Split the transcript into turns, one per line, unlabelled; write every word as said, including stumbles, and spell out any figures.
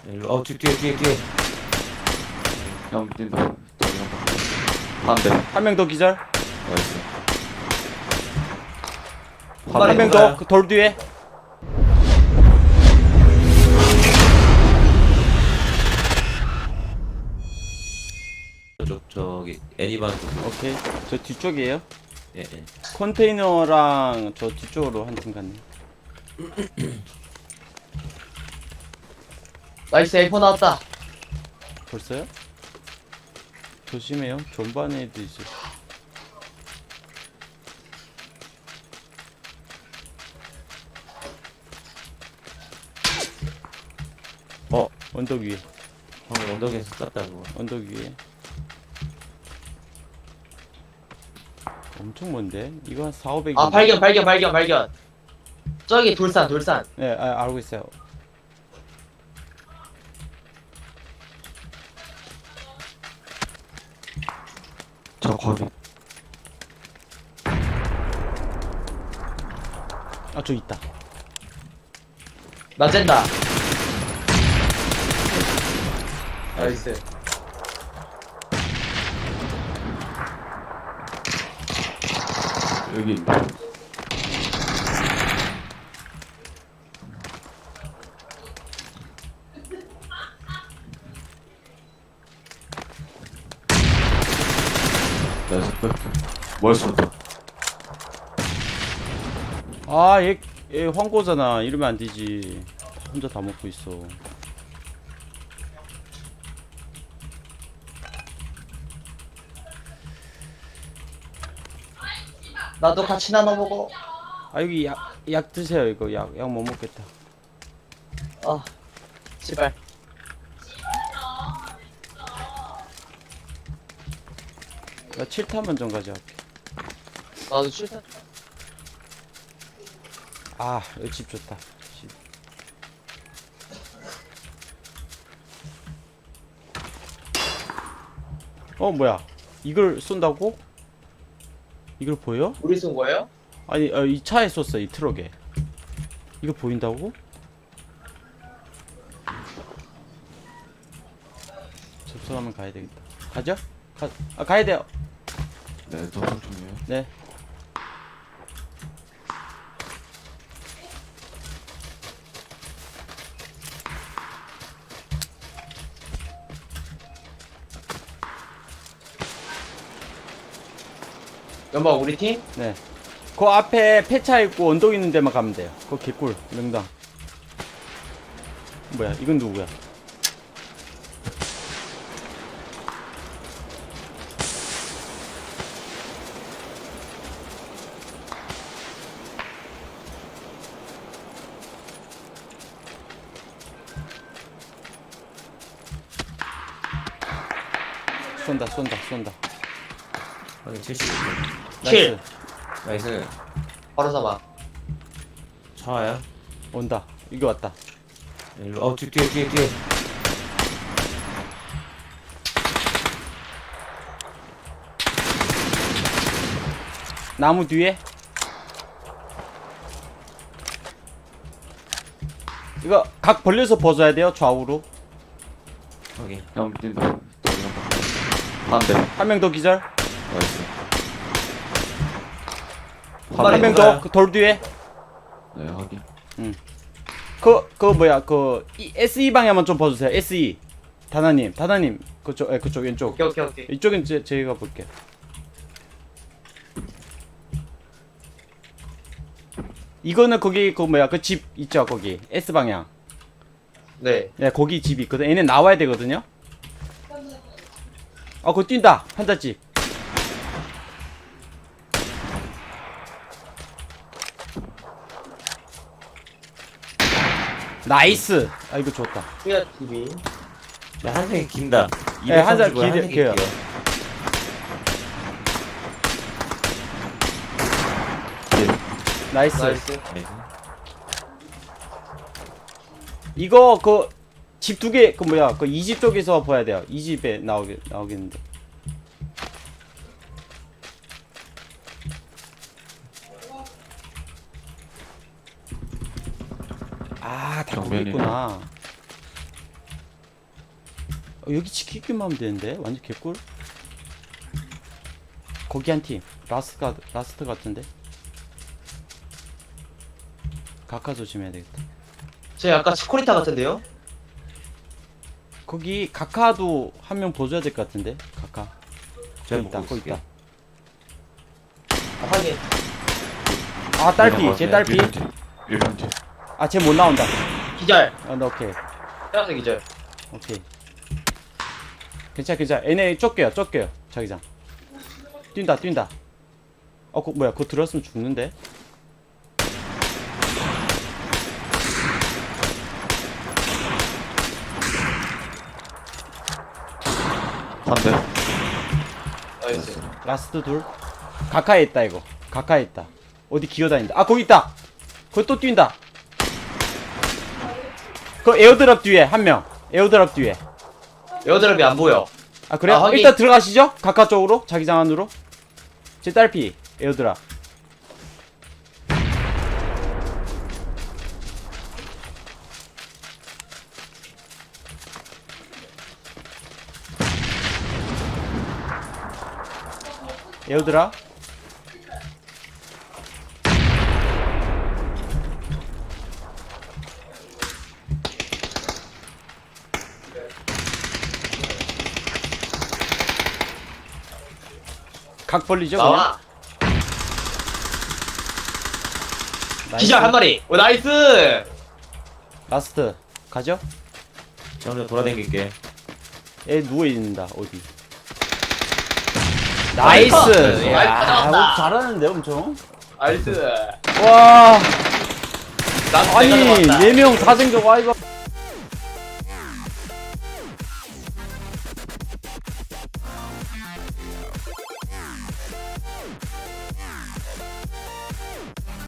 일로. 어, 뒤, 뒤에, 뒤에, 뒤에. 형, 뛴다. 한 대.
한 명 더 기절.
나이스.
한 명 더 그 돌 뒤에.
저쪽, 저기, 애니반 쪽.
오케이. 저 뒤쪽이에요.
예, 예.
컨테이너랑 저 뒤쪽으로 한 팀 갔네.
나이스 에이포 나왔다.
벌써요? 조심해요. 전반에 애도 있어.
어,
언덕 위에.
방금 언덕에서 쐈다고.
언덕 위에. 엄청 먼데? 이거 한 사오백.
아 발견 발견 발견 발견. 저기 돌산 돌산.
네, 아, 알고 있어요.
저 거기.
아, 저 있다.
나 쨘다. 나이스.
여기. 나이스. 뭘 쏜다.
아, 얘, 얘 황고잖아. 이러면 안 되지. 혼자 다 먹고 있어.
나도 같이 나눠 먹어.
아, 여기 약, 약 드세요. 이거 약, 약 못 먹겠다.
아 제발.
나 칠 탄만 좀 가져갈게.
나도 출산.
아, 여기 집 좋다. 집. 어, 뭐야? 이걸 쏜다고? 이걸 보여?
우리 쏜 거예요?
아니, 어, 이 차에 쏘어, 이 트럭에. 이거 보인다고? 접속하면 가야 되겠다. 가죠? 가, 아, 가야 돼요.
네, 도착 중이에요.
네.
연막 우리 팀?
네. 그 앞에 폐차 있고 언덕 있는 데만 가면 돼요. 그 개꿀, 명당. 뭐야, 이건 누구야? 쏜다, 쏜다, 쏜다.
확인 칠십오.
킬.
나이스.
나이스.
바로 잡아.
차와요?
온다. 이거 왔다.
일로. 어, 뒤, 뒤에, 뒤에, 뒤에.
나무 뒤에. 이거 각 벌려서 벗어야 돼요, 좌우로.
확인. 형, 뛴다. 한 대.
한 명 더 기절.
나이스.
빨리
한 명
가요.
더 그 돌 뒤에.
네, 확인.
그, 그 뭐야, 그 이, 에스이 방향만 좀 봐주세요. 에스이. 다나님, 다나님. 그쪽, 예, 그쪽 왼쪽.
오케이 오케이 오케이.
이쪽은 제, 제가 볼게요. 이거는 거기 그 뭐야, 그 집 있죠, 거기 S 방향.
네.
네, 거기 집이 있거든. 얘는 나와야 되거든요. 아, 그거 뛴다. 판자집. 나이스. 아, 이거 좋다.
후야 티비.
네, 한 생이 긴다.
네, 한 살
이백삼십오에 한
길-
생이
길어요.
길어.
나이스.
나이스.
네.
이거 그 집 두 개, 그 뭐야, 그 이 집 쪽에서 봐야 돼요. 이 집에 나오게 나오겠는데. 아, 다 거기
정면이네.
있구나. 어, 여기 지키기만 하면 되는데 완전 개꿀. 거기 한 팀 라스트 라스트 같은데. 가까 조심해야 되겠다.
저 아까 스코리타 같은데요?
거기 가카도 한 명 보줘야 될 것 같은데. 가카
제가
거기 있다
먹고
거기
있을게요.
있다.
아, 확인.
아 딸피 제 딸피.
일 번 뒤.
아 쟤 못 나온다.
기절.
아 나 오케이
태어서 기절.
오케이. 괜찮아 괜찮아. 얘네 쫓겨요 쫓겨요 자기장. 뛴다 뛴다. 어 그, 뭐야 그거 들었으면 죽는데.
한 대.
나이스.
라스트 둘. 가까에 있다 이거. 가까에 있다. 어디 기어다닌다. 아 거기 있다. 거기 또 뛴다. 그 에어드랍 뒤에 한 명. 에어드랍 뒤에.
에어드랍이 안 보여.
아 그래요?
아, 확인.
일단 들어가시죠. 가까 쪽으로 자기장 안으로. 제 딸피 에어드랍. 에어드랍. 각 벌리죠 그냥.
나와.
나이스.
기절 한 마리. 오, 나이스.
라스트 가죠.
저 혼자 돌아다닐게.
얘 누워있는다 어디.
나이스.
나이스. 야,
나이스 잡았다.
어, 잘하는데 엄청.
나이스.
와
난
아니
내가 잡았다.
네 명 다 생겨. 와 이거